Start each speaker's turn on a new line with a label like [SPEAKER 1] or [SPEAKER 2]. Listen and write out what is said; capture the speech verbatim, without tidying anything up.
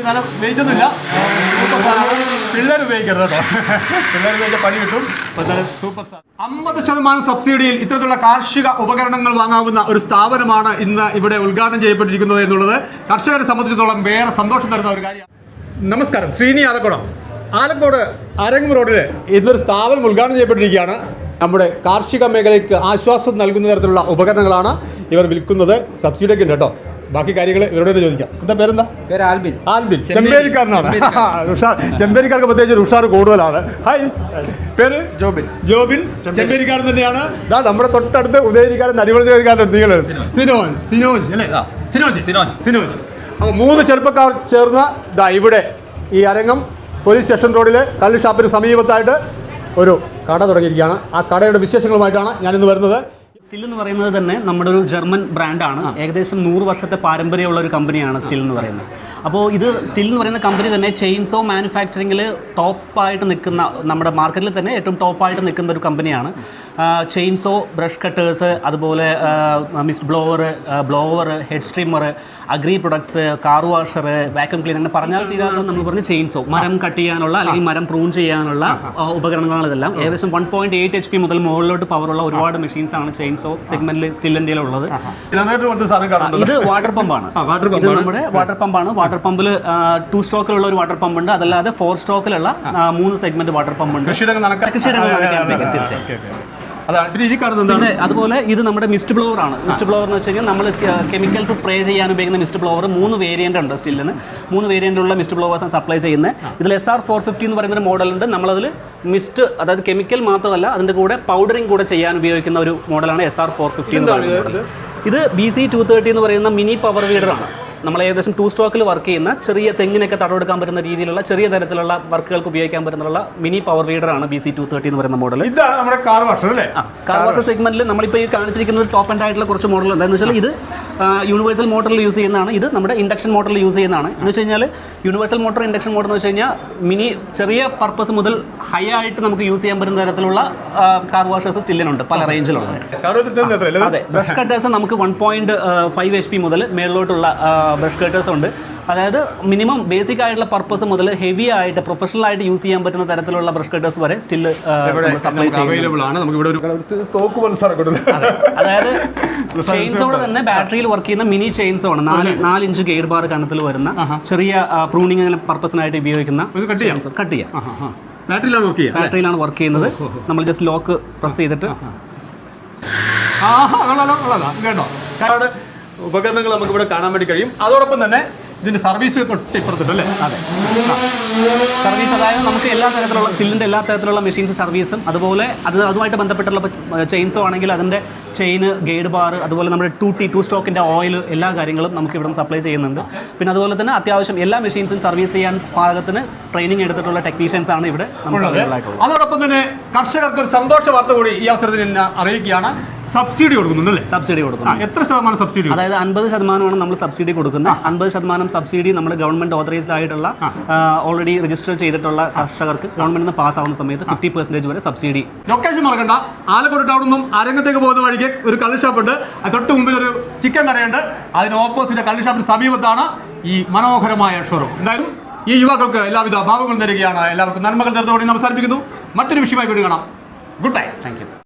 [SPEAKER 1] എന്നാലും വെയിറ്റ് ഒന്നുമില്ല. സൂപ്പർ സാധനമാണ്. പിള്ളേർ ഉപയോഗിക്കരുത് കേട്ടോ. പിള്ളേർ ഉപയോഗിച്ച പണി കിട്ടും. സൂപ്പർ സാധനം. അമ്പത് ശതമാനം സബ്സിഡിയിൽ ഇത്തരത്തിലുള്ള കാർഷിക ഉപകരണങ്ങൾ വാങ്ങാവുന്ന ഒരു സ്ഥാപനമാണ് ഇന്ന് ഇവിടെ ഉദ്ഘാടനം ചെയ്യപ്പെട്ടിരിക്കുന്നത് എന്നുള്ളത് കർഷകരെ സംബന്ധിച്ചിടത്തോളം വേറെ സന്തോഷം തരുന്ന ഒരു കാര്യമാണ്. നമസ്കാരം, ശ്രീനി ആലക്കോടാണ്. ആലക്കോട് അരങ്ങ് റോഡിൽ ഇന്നൊരു സ്ഥാപനം ഉദ്ഘാടനം ചെയ്യപ്പെട്ടിരിക്കുകയാണ്. നമ്മുടെ കാർഷിക മേഖലയ്ക്ക് ആശ്വാസം നൽകുന്ന തരത്തിലുള്ള ഉപകരണങ്ങളാണ് ഇവർ വിൽക്കുന്നത്. സബ്സിഡിയൊക്കെ ഉണ്ട് കേട്ടോ. ബാക്കി കാര്യങ്ങൾ ഇവരോട് ചോദിക്കാം. എന്താ പേരെന്താ?
[SPEAKER 2] പേര് ആൽബിൻ.
[SPEAKER 1] ആൽബിൻ ചെമ്പേരിക്കാരനാണ്. ഉഷാർ, ചെമ്പേരിക്കാർക്ക് പ്രത്യേകിച്ച് ഉഷാർ കൂടുതലാണ്. ഹായ്, പേര് ജോബിൻ. ജോബിൻ ചെമ്പേരിക്കാരൻ തന്നെയാണ്. ഇതാ നമ്മുടെ തൊട്ടടുത്ത് ഉദയരിക്കാരൻ, അരിവളക്കാരൻ, നിങ്ങൾ സിനോജ് സിനോജ് അല്ലേ? സിനോജ് സിനോജ് സിനോജ് അപ്പോൾ മൂന്ന് ചെറുപ്പക്കാർ ചേർന്ന് ഇതാ ഇവിടെ ഈ അരങ്ങം പോലീസ് സ്റ്റേഷൻ റോഡിൽ കള്ള് ഷാപ്പിന് സമീപത്തായിട്ട് ഒരു കട തുടങ്ങിയിരിക്കുകയാണ്. ആ കടയുടെ വിശേഷങ്ങളുമായിട്ടാണ് ഞാനിന്ന് വരുന്നത്.
[SPEAKER 3] സ്റ്റിൽ എന്ന് പറയുന്നത് തന്നെ നമ്മുടെ ഒരു ജർമ്മൻ ബ്രാൻഡാണ്. ഏകദേശം നൂറ് വർഷത്തെ പാരമ്പര്യമുള്ള ഒരു കമ്പനിയാണ് സ്റ്റിൽ എന്ന് പറയുന്നത്. അപ്പോൾ ഇത് സ്റ്റിൽ എന്ന് പറയുന്ന കമ്പനി തന്നെ ചെയിൻസോ മാനുഫാക്ചറിങ്ങിൽ ടോപ്പായിട്ട് നിൽക്കുന്ന, നമ്മുടെ മാർക്കറ്റിൽ തന്നെ ഏറ്റവും ടോപ്പായിട്ട് നിൽക്കുന്ന ഒരു കമ്പനിയാണ്. ചെയിൻസോ, ബ്രഷ് കട്ടേഴ്സ്, അതുപോലെ mist blower, blower, head streamer, agri products, car washer, vacuum cleaner, അങ്ങനെ പറഞ്ഞാൽ തീരാതെ നമ്മൾ പറഞ്ഞ ചെയിൻസോ, മരം കട്ട് ചെയ്യാനുള്ള അല്ലെങ്കിൽ മരം പ്രൂൺ ചെയ്യാനുള്ള ഉപകരണങ്ങളാണ് ഇതെല്ലാം. ഏകദേശം one point eight H P മുതൽ മുകളിലോട്ട് പവറുള്ള ഒരുപാട് മെഷീൻസ് ആണ് ചെയിൻസോ സെഗ്മെന്റിൽ സ്റ്റിൽ ഇന്ത്യയിലുള്ളത്. ഇത് വാട്ടർ പമ്പാണ്. ഇത് നമ്മുടെ വാട്ടർ പമ്പാണ്. വാട്ടർ പമ്പിൽ ടു സ്ട്രോക്കിലുള്ള ഒരു വാട്ടർ പമ്പ് ഉണ്ട്. അതല്ലാതെ ഫോർ സ്ട്രോക്കിലുള്ള മൂന്ന് സെഗ്മെന്റ് വാട്ടർ പമ്പ് ഉണ്ട്. പിന്നെ അതുപോലെ ഇത് നമ്മുടെ മിസ്റ്റ് ബ്ലോവർ ആണ്. മിസ്റ്റ് ബ്ലോവർ എന്ന് വെച്ച് കഴിഞ്ഞാൽ നമ്മൾ കെമിക്കൽസ് സ്പ്രേ ചെയ്യാൻ ഉപയോഗിക്കുന്ന മിസ്റ്റ് ബ്ലോവർ മൂന്ന് വേരിയന്റ് ഉണ്ട് സ്റ്റില്ലിന്. മൂന്ന് വേരിയന്റുള്ള മിസ്റ്റ് ബ്ലോവേഴ്സാണ് സപ്ലൈ ചെയ്യുന്നത്. ഇതിൽ എസ് ആർ ഫോർ ഫിഫ്റ്റി എന്ന് പറയുന്ന മോഡലുണ്ട്. നമ്മളതിൽ മിസ്റ്റ്, അതായത് കെമിക്കൽ മാത്രമല്ല അതിൻ്റെ കൂടെ പൗഡറിങ് കൂടെ ചെയ്യാൻ ഉപയോഗിക്കുന്ന ഒരു മോഡലാണ് എസ് ആർ ഫോർ ഫിഫ്റ്റി എന്ന് പറയുന്നത്. ഇത് ബി സി ടു തേർട്ടി എന്ന് പറയുന്ന മിനി പവർ വീഡറാണ്. നമ്മൾ ഏകദേശം ടു സ്ട്രോക്കിൽ വർക്ക് ചെയ്യുന്ന, ചെറിയ തെങ്ങിനൊക്കെ തടവെടുക്കാൻ പറ്റുന്ന രീതിയിലുള്ള ചെറിയ തരത്തിലുള്ള വർക്കുകൾക്ക് ഉപയോഗിക്കാൻ പറ്റുന്ന മിനി പവർ വീഡറാണ് ബി സി ടു തേർട്ടി എന്ന് പറയുന്ന മോഡൽ.
[SPEAKER 1] ഇതാണ് നമ്മുടെ കാർ വാഷർ അല്ലേ?
[SPEAKER 3] കാർ വാഷർ സെഗ്മെന്റിൽ നമ്മളിപ്പോൾ ഈ കാണിച്ചിരിക്കുന്നത് ടോപ്പ് ആൻഡ് ആയിട്ടുള്ള കുറച്ച് മോഡൽ എന്താണെന്ന് വെച്ചാൽ ഇത് യൂണിവേഴ്സൽ മോട്ടറിൽ യൂസ് ചെയ്യുന്നതാണ്. ഇത് നമ്മുടെ ഇൻഡക്ഷൻ മോട്ടറിൽ യൂസ് ചെയ്യുന്നതാണ്. എന്ന് വെച്ച് കഴിഞ്ഞാൽ യൂണിവേഴ്സൽ മോട്ടർ, ഇൻഡക്ഷൻ മോട്ടർ എന്ന് വെച്ച് കഴിഞ്ഞാൽ മിനി ചെറിയ പർപ്പസ് മുതൽ ഹൈ ആയിട്ട് നമുക്ക് യൂസ് ചെയ്യാൻ പറ്റുന്ന തരത്തിലുള്ള കാർ വാഷേഴ്സ് സ്റ്റില്ലിനുണ്ട്, പല റേഞ്ചിലുള്ളത്. അതെ, ബ്രഷ് കട്ടേഴ്സ് നമുക്ക് one point five H P മുതൽ മേളിലോട്ടുള്ള ബ്രഷ് കട്ടേഴ്സ് ഉണ്ട്. അതായത് മിനിമം ബേസിക് ആയിട്ടുള്ള പർപ്പസ് മുതൽ ഹെവി ആയിട്ട് പ്രൊഫഷണൽ ആയിട്ട് യൂസ് ചെയ്യാൻ പറ്റുന്ന തരത്തിലുള്ള ബ്രഷ് കട്ടേഴ്സ് വരെ സ്റ്റിൽ സപ്ലൈ ചെയ്യുന്നു. അതായത് ചെയിൻസോടെ തന്നെ ബാറ്ററിയിൽ വർക്ക് ചെയ്യുന്ന മിനി ചെയിൻസോ ആണ്. നാല് നാല് ഇഞ്ച് ഗെയർ ബാർ കനത്തിൽ വരുന്ന ചെറിയ പ്രൂണിങ് പർപ്പസിനായിട്ട് ഉപയോഗിക്കുന്ന കട്ട് ചെയ്യാം. ബാറ്ററിയിലാണ് വർക്ക് ചെയ്യുന്നത്. നമ്മൾ ജസ്റ്റ് ലോക്ക് പ്രസ് ചെയ്തിട്ട്
[SPEAKER 1] ഉപകരണങ്ങൾ നമുക്ക് ഇവിടെ കാണാൻ വേണ്ടി കഴിയും. അതോടൊപ്പം തന്നെ ഇതിന്റെ സർവീസ് തൊട്ട് ഇപ്പുറത്തുണ്ട് അല്ലേ?
[SPEAKER 3] അതെ, സർവീസ്. അതായത് നമുക്ക് എല്ലാ തരത്തിലുള്ള സ്റ്റില്ലിൻ്റെ എല്ലാ തരത്തിലുള്ള മെഷീൻസ് സർവീസും, അതുപോലെ അത് അതുമായിട്ട് ബന്ധപ്പെട്ടുള്ള ചെയിൻസോ ആണെങ്കിൽ അതിൻ്റെ ചെയിന്, ഗൈഡ് ബാർ, അതുപോലെ നമ്മുടെ ടു ടി ടു സ്റ്റോക്കിൻ്റെ ഓയിൽ, എല്ലാ കാര്യങ്ങളും നമുക്ക് ഇവിടെ സപ്ലൈ ചെയ്യുന്നുണ്ട്. പിന്നെ അതുപോലെ തന്നെ അത്യാവശ്യം എല്ലാ മെഷീൻസും സർവീസ് ചെയ്യാൻ പാകത്തിന് ട്രെയിനിങ് എടുത്തിട്ടുള്ള ടെക്നീഷ്യൻസ് ആണ് ഇവിടെ
[SPEAKER 1] ഉള്ളത്. അതോടൊപ്പം തന്നെ കർഷകർക്ക് ഒരു സന്തോഷ വാർത്ത കൂടി ഈ അവസരത്തിൽ എന്നെ അറിയിക്കുകയാണ്. സബ്സിഡി കൊടുക്കുന്നുണ്ടല്ലേ?
[SPEAKER 3] സബ്സിഡി കൊടുക്കുന്നു.
[SPEAKER 1] എത്ര ശതമാനം സബ്സിഡി?
[SPEAKER 3] അതായത് അൻപത് ശതമാനമാണ് നമ്മൾ സബ്സിഡി കൊടുക്കുന്നത്. അൻപത് ശതമാനം സബ്സിഡി നമ്മൾ ഗവൺമെന്റ് ഓതറൈസ്ഡ് ആയിട്ടുള്ള, ഓൾറെഡി രജിസ്റ്റർ ചെയ്തിട്ടുള്ള കർഷകർക്ക് ഗവൺമെന്റിന് പാസ് ആവുന്ന സമയത്ത് ഫിഫ്റ്റി പെർസെന്റേജ് വരെ സബ്സിഡി.
[SPEAKER 1] ലൊക്കേഷൻ മറക്കണ്ട, ആലക്കോട് ടൗണിൽ നിന്നും അരങ്ങത്തേക്ക് പോകുന്ന വഴിക്ക് ഒരു കള്ള് ഷാപ്പുണ്ട്. തൊട്ട് മുമ്പിൽ ഒരു ചിക്കൻ കടയുണ്ട്. അതിന് ഓപ്പോസിറ്റ് കള്ള് ഷാപ്പിന് സമീപത്താണ് ഈ മനോഹരമായ ഷോറൂം. എന്തായാലും ഈ യുവാക്കൾക്ക് എല്ലാവിധ ഭാവങ്ങളും തരികയാണ്. എല്ലാവർക്കും നന്മകൾ തരുന്നതോടെ അവസാനിപ്പിക്കുന്നു. മറ്റൊരു വിഷയമായി വീണ്ടും കാണാം. Goodbye.
[SPEAKER 3] Thank U.